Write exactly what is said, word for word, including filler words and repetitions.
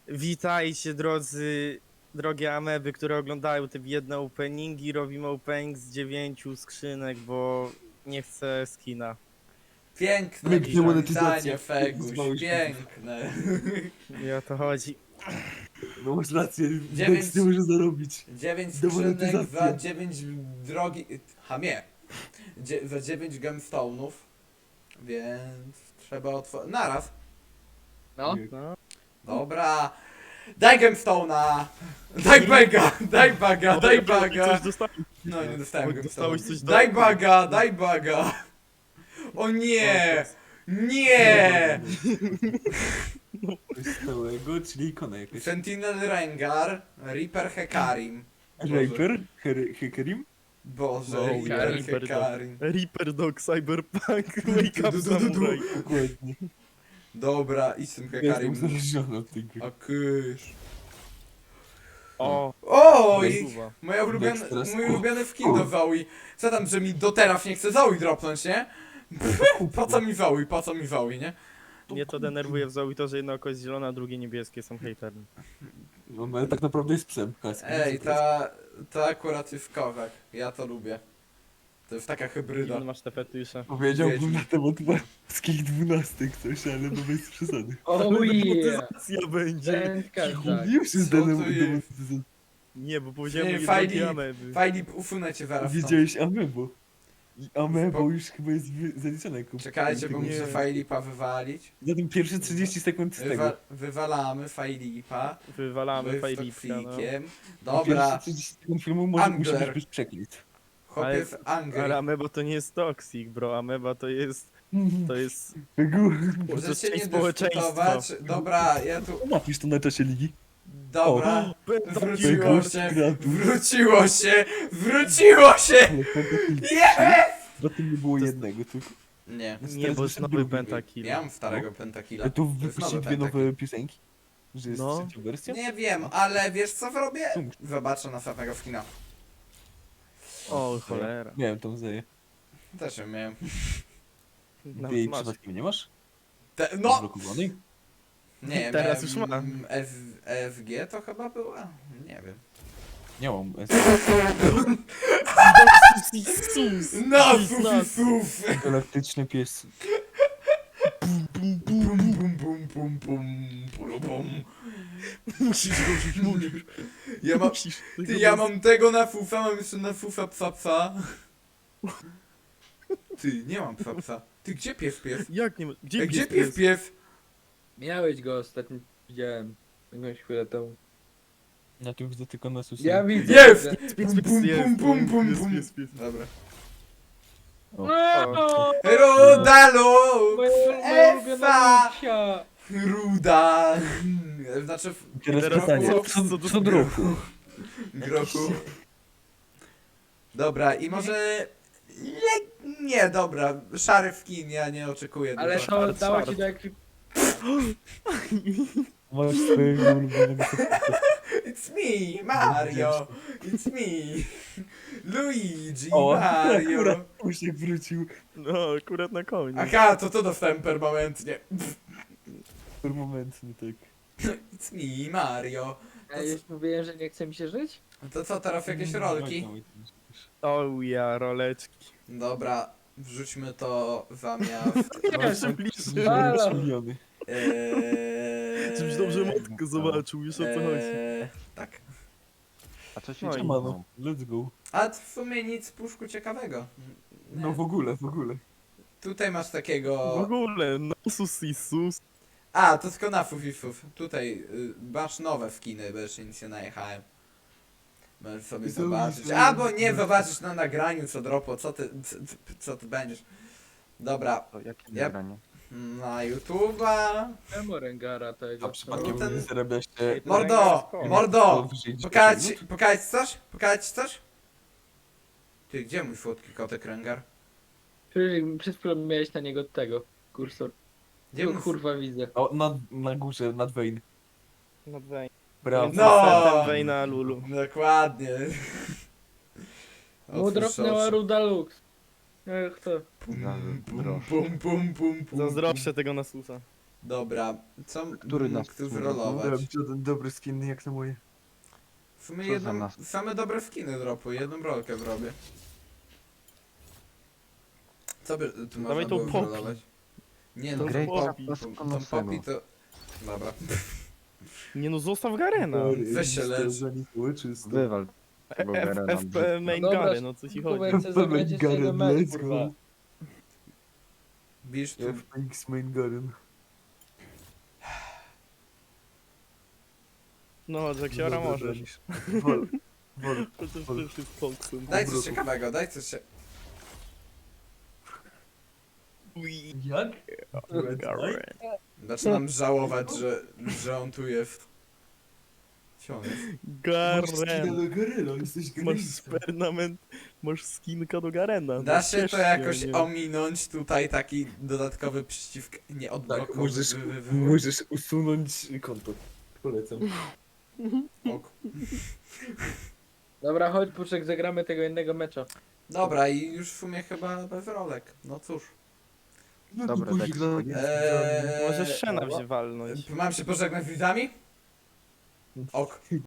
Witajcie drodzy, drogie ameby, które oglądają te biedne openingi. Robimy opening z dziewięciu skrzynek, bo nie chcę skina. Piękne Pięknie przywitanie, monetyzacja. Feguś, Nazwałeś piękne. I o to chodzi. No masz rację, Dziewięć- Dex nie może zarobić. Dziewięć skrzynek Demonetyzacja. za dziewięć drogi... Hamie. Dzie za dziewięć gemstone'ów. Więc trzeba otworzyć... Naraz. No, No. Dobra. Daj gemstone'a! Daj baga! Daj baga! Daj baga! Coś dostałeś. No nie dostałem Oj, dostałeś gemstone'a. coś do- Daj baga! Daj baga! O nie! Nie! Coś stałego, czyli ikona jakaś. Sentinel Rengar, Reaper Hekarim. Reaper? Her- Hecarim? Boże, No, Reaper Reaper Hekarim. Reaper Dog Cyberpunk Wake Up Samurai. Dokładnie. Dobra, i z tym Ja jestem Hekarim. uzależniony od tej gry. A kysz. O, Oj! Suwa. Moja ulubiona, Next teraz- mój ulubiony skin do Zoe. Co tam, że mi do teraz nie chce Zoe dropnąć, nie? Po co mi Zoe, po co mi Zoe, nie? Mnie to denerwuje w Zoe to, że jedno oko jest zielone, a drugie niebieskie, są hejterem. No, ale tak naprawdę jest psem. Kaski. Ej, ta, ta akurat jest kozak. Ja to lubię. To jest taka hybryda. Dziwne masz te fetysze. Powiedziałbym Wiedźmin. na temat wszystkich dwunastek coś, ale no bez przesady. oh yeah! Demonetyzacja będzie. Wędka tak. Już jest Co to denem- jest? demonetyzacja. Nie, bo powiedziałem Nie, o fajni- jednej ameby. Fajnie, usunę cię zaraz. stąd. Widziałeś Amebo. I Amebo Spoko. już chyba jest wy- zaliczone jako... Czekajcie, bo tego- muszę Nie. Fajlipa wywalić. Zatem pierwsze trzydzieści sekund z tego. Wywa wywalamy Fajlipa. Wywalamy My fajlipka, no. toksikiem. Pierwsze Dobra, trzydzieści sekund filmu może, musi Angler. być bez przekleństw. chłopiec Ale Angry. ameba to nie jest toxic, bro. Ameba to jest... to jest... to Możecie jest nie część społeczeństwa. dyskutować. Dobra, ja tu... Napisz to na czasie ligi. Dobra. Wróciło Pentakil. się, Gratuluję. wróciło się, wróciło się! Ale Pentakil. Yes! Bo tym nie było To jest- jednego, tylko... Nie, Nie, bo jest nowy drugi. Pentakill. nie mam starego pentakilla. Ale to jest wypuścili nowy dwie Pentakill. nowe piosenki? Że jest No. trzecia wersja? Nie wiem, ale wiesz co zrobię? Co? Zobaczę następnego skina. O, cholera. Miałem tą zeję. Też ją miałem. Nawet Ty jej masz. przypadkiem nie masz? Te, no! Zablokowanej? Nie, Teraz miałem, już ma. mm, F, F G to chyba była? Nie wiem. Nie mam. No, Sus, suf, nas. suf! Galaktyczny pies. Bum, bum, bum, bum, bum, bum, bum. Musisz go rzucić, musisz. Ja mam, Musisz ty, tego ja bez- mam tego na fufa, mam jeszcze na fufa psa psa. Ty, nie mam psa psa. Ty, gdzie pies pies? Jak nie ma... Gdzie, Ej, gdzie pies pies pies? Miałeś go ostatnio, widziałem. Jakąś chwilę temu. Na tym widzę tylko na susie. Ja widzę. Jest! widzę. Pies, pies, Bum, bum, jest, bum, bum, bum, pies, bum. pies, pies. Dobra. No, Rudalo! moja moja ulubiona Efa! misia. Ruda! Znaczy, w Teraz Teraz pytanie, co- co, co do- co do roku? grochu. Dobra, i może... Nie, nie, dobra, szary w kin, ja nie oczekuję Ale dużo. to Czwart, dało czwart. ci do ekwipunku. Masz swojego ulubionego sekunda. It's me, Mario! It's me! Luigi, O, Mario! akurat Usiek wrócił. No, akurat na koniec. Aha, to to dostałem permanentnie. Permanentny, tak. It's me, Mario! Ja już mówiłem, że nie chce mi się żyć? To co, teraz jakieś rolki? O ja, roleczki. Dobra, wrzućmy to zamiast... Jeszcze bliżej. Halo. miliony. Eee, Żebyś dobrze matkę zobaczył, już o co chodzi. eee, Tak. A co się No i dzieje? Siemano, let's go. A w sumie nic puszku ciekawego. Nie. No w ogóle, w ogóle. Tutaj masz W takiego... ogóle, nasus i sus. A, to tylko na fufifów. Tutaj y, masz nowe skiny, bo jeszcze nic nie najechałem. Możesz sobie I co zobaczyć. myślisz? Albo nie zobaczysz na nagraniu co dropo, co ty, co, co ty będziesz. Dobra, To jakie Ja- nagranie? na YouTube'a. Czemu Rengara tego? A przypadkiem ten- nie zarabia się... Mordo! Ręka Mordo! powyżej dziesięć Pokazać minut? pokazać coś? Pokazać coś? Ty, gdzie mój słodki kotek Rengar? Przecież przed chwilą miałeś na niego tego, kursor. Gdzie Go mój... kurwa widzę. O, na, na górze, nad Wayne. No Wayne. Brawo. No! Wayna Lulu. Dokładnie. Mu dropnęła Ruda Lux. Ech to. Pum, pum, Zazdroszczę. pum, pum, pum, pum. Zazdroszczę tego nasusa. Dobra, co Który bym nas mógł tu smutno? wyrolować? Robić jeden dobry skin jak na moje. W sumie Co za jedną, nas- same dobre skiny dropuję, jedną rolkę zrobię. Co by tu można Dawaj tą było Poppy. wyrolować? Nie no, Tą tą Poppy. Poppy, tą, tą Poppy to... Dobra. Nie no, zostaw Garena. Weź się lecz. Czysto. Wywal tego F, Garena. F, P main Dobra, Gary, no co ci chodzi? Kubek chce zagrać jeszcze jeden mecz, kurwa. Bisz tu... F-X main Garen. No, Jacksiora możesz. Wol, wol. To też też jest Foxem. Daj coś ciekawego, daj coś się... Ui, Jak? Garen. Zaczynam żałować, że, że on tu jest. Gdzie on jest? Masz skina Garen. do Garena, jesteś Masz Gareńska. permanent, masz skinka do Garena. no Da się ciesz to jakoś nie? ominąć, tutaj taki dodatkowy przycisk nie Tak, odblokowy. możesz, wy- wy- wy- możesz usunąć konto. Polecam. ok. Dobra, chodź Puszek, zagramy tego jednego mecza. Dobra i już w sumie chyba bez rolek. No cóż. No Dobra, to później Dex. koniec. Eee, Możesz Shena wziąć walnąć. Mam się pożegnać z widzami? Ok.